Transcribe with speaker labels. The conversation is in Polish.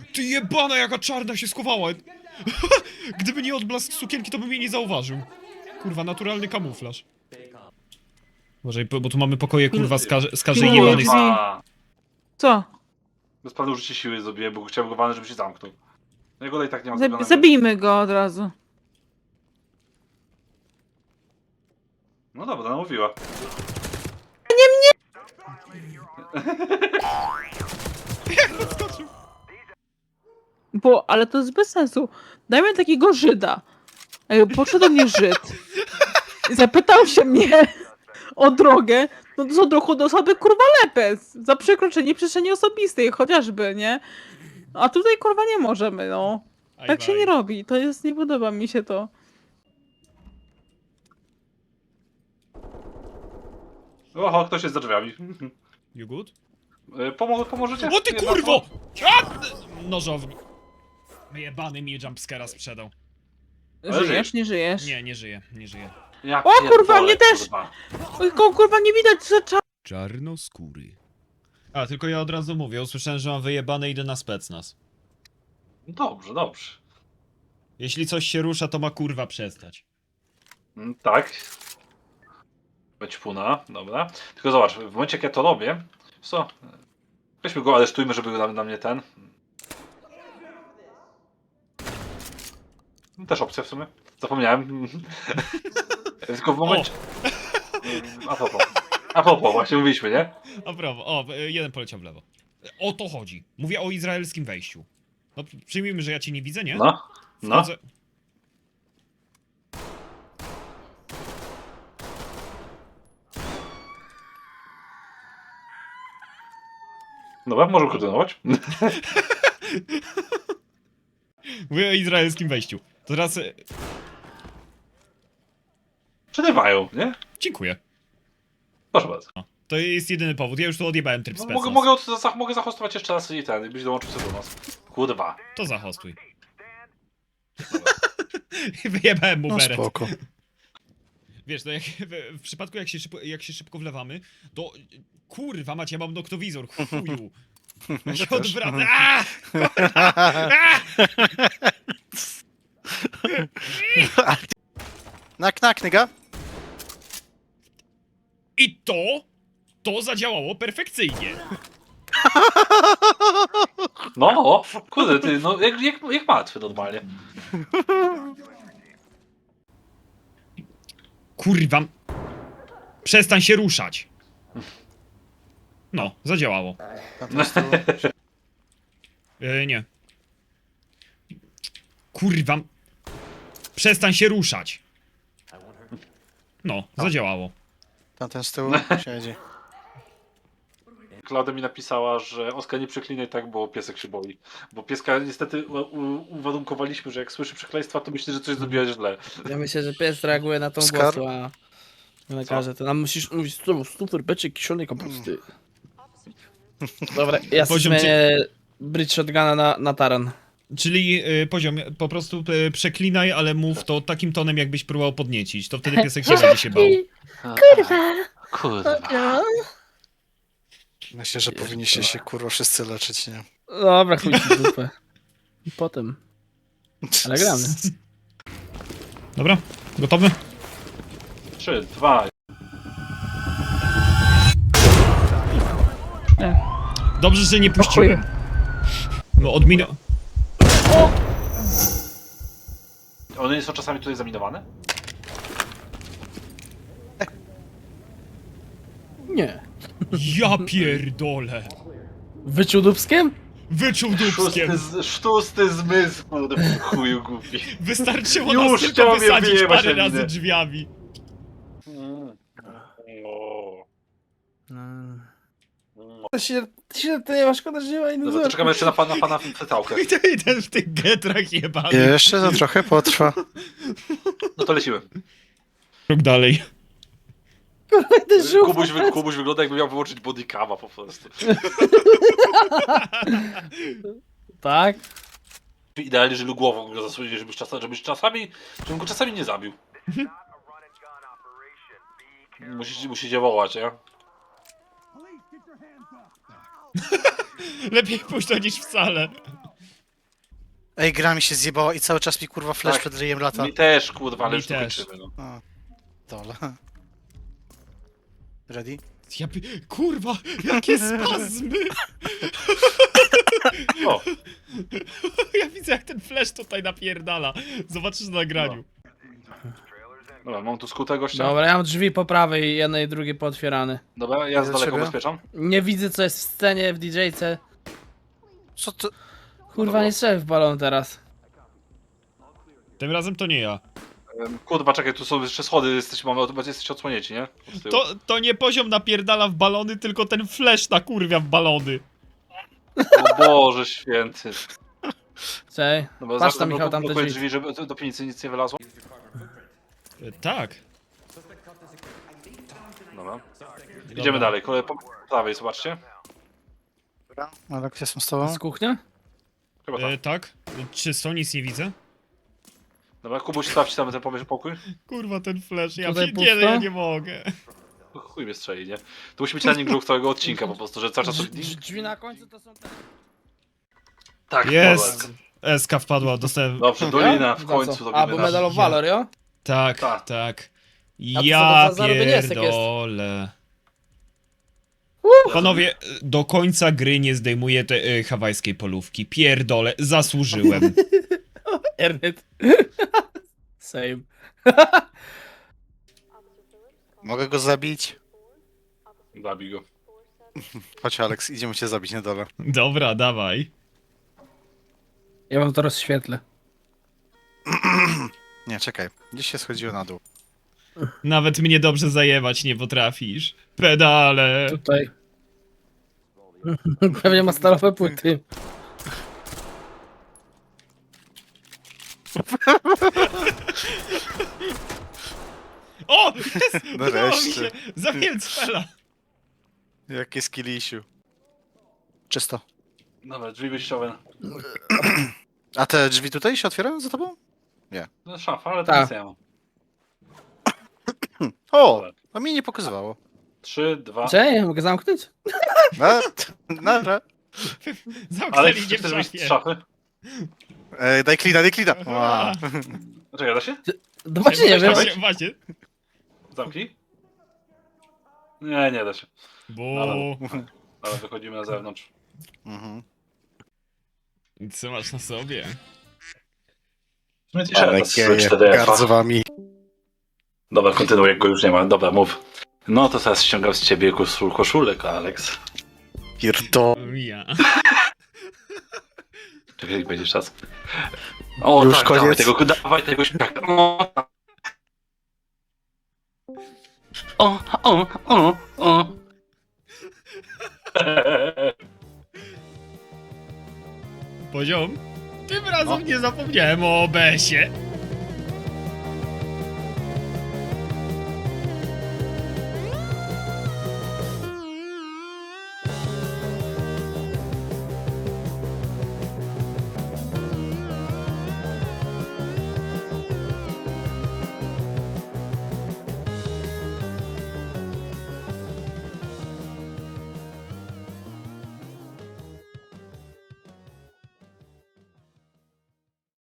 Speaker 1: Ty jebana, jaka czarna się schowała! Gdyby nie odblask sukienki, to bym jej nie zauważył. Kurwa, naturalny kamuflaż. Może, bo tu mamy pokoje, kurwa, skażej jebanej.
Speaker 2: Kurwa!
Speaker 3: Co?
Speaker 2: Bezprawne użycie siły zrobiłem, bo chciałem go walnąć, żeby się zamknął. No jego i tak nie ma zrobionego.
Speaker 3: Zabijmy go od razu.
Speaker 2: No dobra, namówiła.
Speaker 1: Jak podskoczył?
Speaker 3: Ale to jest bez sensu. Dajmy takiego Żyda. Podszedł do mnie Żyd. I zapytał się mnie o drogę. No to są drogu do osoby, kurwa, lepes. Za przekroczenie przestrzeni osobistej, chociażby, nie? A tutaj, kurwa, nie możemy, no. Tak się nie robi. Nie podoba mi się to.
Speaker 2: Oho, ktoś jest za drzwiami.
Speaker 1: You good?
Speaker 2: Pomożecie?
Speaker 1: O ty
Speaker 2: Nie,
Speaker 1: kurwo! A! Nożownik. Jebany mi jumpscare'a sprzedał.
Speaker 2: Ale
Speaker 3: Żyjesz,
Speaker 2: żyjesz.
Speaker 3: nie żyjesz?
Speaker 1: Nie, nie żyje, nie żyje.
Speaker 2: Ja
Speaker 3: O, kurwa,
Speaker 2: pierdolę,
Speaker 3: mnie też!
Speaker 2: kurwa.
Speaker 3: Oj, kurwa, nie widać, że
Speaker 1: Czarnoskóry. A, tylko ja od razu mówię, usłyszałem, że mam wyjebane, idę na specnaz.
Speaker 2: Dobrze, dobrze.
Speaker 1: Jeśli coś się rusza, to ma kurwa przestać.
Speaker 2: Tak. Puna, dobra. Tylko zobacz, w momencie jak ja to robię, co? Weźmy go, aresztujmy, żeby na mnie ten. Też opcja w sumie. Zapomniałem. Tylko w momencie. A propos, właśnie mówiliśmy, nie?
Speaker 1: A prawo, jeden poleciał w lewo. O to chodzi. Mówię o izraelskim wejściu. No, przyjmijmy, że ja cię nie widzę, nie?
Speaker 2: No. No.
Speaker 1: Wchodzę...
Speaker 2: Dobra, możemy kontynuować.
Speaker 1: Mówię o izraelskim wejściu. To teraz...
Speaker 2: Przerywają, nie?
Speaker 1: Dziękuję.
Speaker 2: Proszę bardzo.
Speaker 1: O, to jest jedyny powód. Ja już tu odjebałem tryb specnaz.
Speaker 2: Mogę zahostować jeszcze raz i ten, i byś dołączył sobie do nas. Kurwa.
Speaker 1: To zahostuj. Wyjebałem mu
Speaker 4: No
Speaker 1: beret.
Speaker 4: spoko.
Speaker 1: Wiesz, to jak, w przypadku jak się szybko wlewamy, to kurwa macie, ja mam noktowizor, chuju. Ja się odwracam. Aaa! Aaa!
Speaker 4: Knock, nigga.
Speaker 1: I to zadziałało perfekcyjnie.
Speaker 2: No, kurde, ty, no jak martwy normalnie.
Speaker 1: Kurwa. Przestań się ruszać. No, zadziałało.
Speaker 4: Tam z tyłu.
Speaker 1: Nie. Kurwa. Przestań się ruszać. No, zadziałało.
Speaker 4: Tamten z tyłu siedzi.
Speaker 2: Klaudia mi napisała, że Oskar nie przeklinaj tak, bo piesek się boi. Bo pieska niestety uwarunkowaliśmy, że jak słyszy przekleństwa, to myśli, że coś zrobiła źle.
Speaker 5: Ja myślę, że pies reaguje na tą
Speaker 4: Skar?
Speaker 5: głosu, a lekarze to nam musisz mówić super beczek kiszonej kapusty. Dobra, ja sobie
Speaker 1: Poziom
Speaker 5: zmienię bridge shotguna na taran.
Speaker 1: Czyli poziom, po prostu przeklinaj, ale mów to takim tonem, jakbyś próbował podniecić. To wtedy piesek się będzie się bał.
Speaker 2: Kurwa.
Speaker 4: Myślę, że powinniście się kurwa wszyscy leczyć, nie?
Speaker 5: Dobra, chuj ci w dupę. I potem. Ale gramy.
Speaker 1: Dobra, gotowy?
Speaker 2: 3, 2.
Speaker 1: Dobrze, że nie puściłem. No odminął.
Speaker 2: One są czasami tutaj zaminowane?
Speaker 5: Nie.
Speaker 1: Ja pierdolę.
Speaker 5: Wyczuł dupskiem?
Speaker 1: Wyczuł dupskiem.
Speaker 2: Sztusty zmysł, kurde, chuju głupi.
Speaker 1: Wystarczyło
Speaker 2: Już
Speaker 1: nas tylko
Speaker 2: chciał mnie
Speaker 1: wysadzić
Speaker 2: wyjebać
Speaker 1: parę
Speaker 2: na
Speaker 1: razy
Speaker 2: minę.
Speaker 1: drzwiami.
Speaker 2: O.
Speaker 5: To nie ma szkoda, że nie ma innych
Speaker 2: Dobra, to czekamy jeszcze na pana Fetałkę.
Speaker 1: I ten w tych getrach jebany.
Speaker 4: Jeszcze to trochę potrwa.
Speaker 2: No to lecimy.
Speaker 1: Krok dalej.
Speaker 2: Kubuś wygląda jakby miał wyłączyć bodycama po prostu.
Speaker 5: Tak?
Speaker 2: Idealnie, żeby głową go zasłonić, żebyś żebym go czasami nie zabił. Musicie wołać, nie?
Speaker 1: Lepiej pójść to niż wcale.
Speaker 4: Ej, gra mi się zjebała i cały czas mi kurwa flash
Speaker 2: Tak.
Speaker 4: przed ryjem lata.
Speaker 2: Mi też, kurwa, ale
Speaker 1: Mi
Speaker 2: już to
Speaker 1: też.
Speaker 2: kończymy, no.
Speaker 4: A, dole. Ready?
Speaker 1: Kurwa, jakie spazmy!
Speaker 2: O,
Speaker 1: Ja widzę jak ten flash tutaj napierdala. Zobaczysz na nagraniu.
Speaker 2: dobra, mam tu skutę gościa.
Speaker 5: Dobra, ja mam drzwi po prawej, jedne i drugie pootwierane.
Speaker 2: Dobra, ja z
Speaker 4: Do
Speaker 2: daleka
Speaker 4: ciebie?
Speaker 2: ubezpieczam.
Speaker 5: Nie widzę co jest w scenie, w DJ-ce.
Speaker 4: Co to?
Speaker 5: Kurwa, nie strzelę w balon teraz.
Speaker 1: Tym razem to nie ja.
Speaker 2: Kurwa, czekaj, tu są jeszcze schody, jesteście odsłonięci, nie? Od tyłu.
Speaker 1: To nie poziom napierdala w balony, tylko ten flash nakurwia w balony.
Speaker 2: O Boże święty.
Speaker 5: Cześć.
Speaker 2: Dobra,
Speaker 5: Patrz tam, Michał, tam te
Speaker 2: blokuję
Speaker 5: drzwi.
Speaker 2: drzwi, żeby do piwnicy nic nie wylazło.
Speaker 1: Tak.
Speaker 2: Dobra. Idziemy dalej, kolej po prawej, zobaczcie.
Speaker 4: Dobra, ale jestem z tobą.
Speaker 5: Z kuchnia?
Speaker 2: Chyba tak.
Speaker 1: Tak? Czysto, nic nie widzę.
Speaker 2: Dobra, Kubuś, sprawdź tam ten pokój.
Speaker 1: Kurwa, ten flash,
Speaker 5: Tutaj
Speaker 1: nie,
Speaker 5: pusto?
Speaker 1: ja nie mogę.
Speaker 2: Chuj mnie strzeli, nie? To musi być running joke całego odcinka po prostu, że cały czas...
Speaker 5: Drzwi na końcu to są te.
Speaker 2: Tak,
Speaker 1: Jest! SK wpadła, dostałem...
Speaker 2: Dobrze, Dolina, w
Speaker 5: Za
Speaker 2: końcu
Speaker 5: co?
Speaker 2: to
Speaker 5: A, bo Medal of Valor, jo?
Speaker 1: Tak,
Speaker 2: Tak.
Speaker 1: tak.
Speaker 5: A to
Speaker 1: Ja
Speaker 5: za zarobienie esek jest.
Speaker 1: pierdolę. Panowie, do końca gry nie zdejmuję te hawajskiej polówki. Pierdolę, zasłużyłem.
Speaker 5: Ernest. Same.
Speaker 4: Mogę go zabić?
Speaker 2: Zabij go.
Speaker 4: Chodź Alex, idziemy cię zabić na dole.
Speaker 1: Dobra, dawaj.
Speaker 5: Ja wam to rozświetlę.
Speaker 4: Nie, czekaj. Gdzieś się schodziło na dół.
Speaker 1: Nawet mnie dobrze zajebać nie potrafisz. Pedale.
Speaker 5: Tutaj. Pewnie ma stalowe płyty.
Speaker 1: O! Jest! Udało mi
Speaker 4: Nareszcie.
Speaker 1: się! Zabiłem cfela.
Speaker 4: Jakie skillisiu. Czysto.
Speaker 2: Dobra, drzwi wyjściowe.
Speaker 4: A te drzwi tutaj się otwierają za tobą?
Speaker 2: No szafa, ale to
Speaker 5: Tak.
Speaker 2: nic nie ma.
Speaker 4: O! A mi nie pokazywało.
Speaker 2: 3, 2...
Speaker 5: Cześć, mogę zamknąć?
Speaker 4: Nara.
Speaker 2: Ale
Speaker 1: Zamknęli mnie
Speaker 2: chcesz
Speaker 1: w
Speaker 2: wyjść z
Speaker 1: szafie.
Speaker 2: szafy?
Speaker 4: Daj klina, daj klina. Ła.
Speaker 2: Czekaj, da się?
Speaker 5: No właśnie nie wiem.
Speaker 1: Właśnie.
Speaker 2: Zamknij. Nie, nie da się.
Speaker 1: Bo...
Speaker 2: Ale wychodzimy na zewnątrz.
Speaker 4: Mhm.
Speaker 1: Co masz na sobie?
Speaker 4: Ale geje, gardzę wami.
Speaker 2: Dobra, kontynuuj, jak go już nie ma. Dobra, mów. No to teraz ściągam z ciebie koszulek, Alex.
Speaker 4: Pierdo.
Speaker 1: Ja.
Speaker 2: Czekaj, będzie czas. O,
Speaker 4: Już
Speaker 2: tak,
Speaker 4: koniec?
Speaker 2: dawaj tego śpiaka. O.
Speaker 1: Poziom? Tym razem nie zapomniałem o OBS-ie.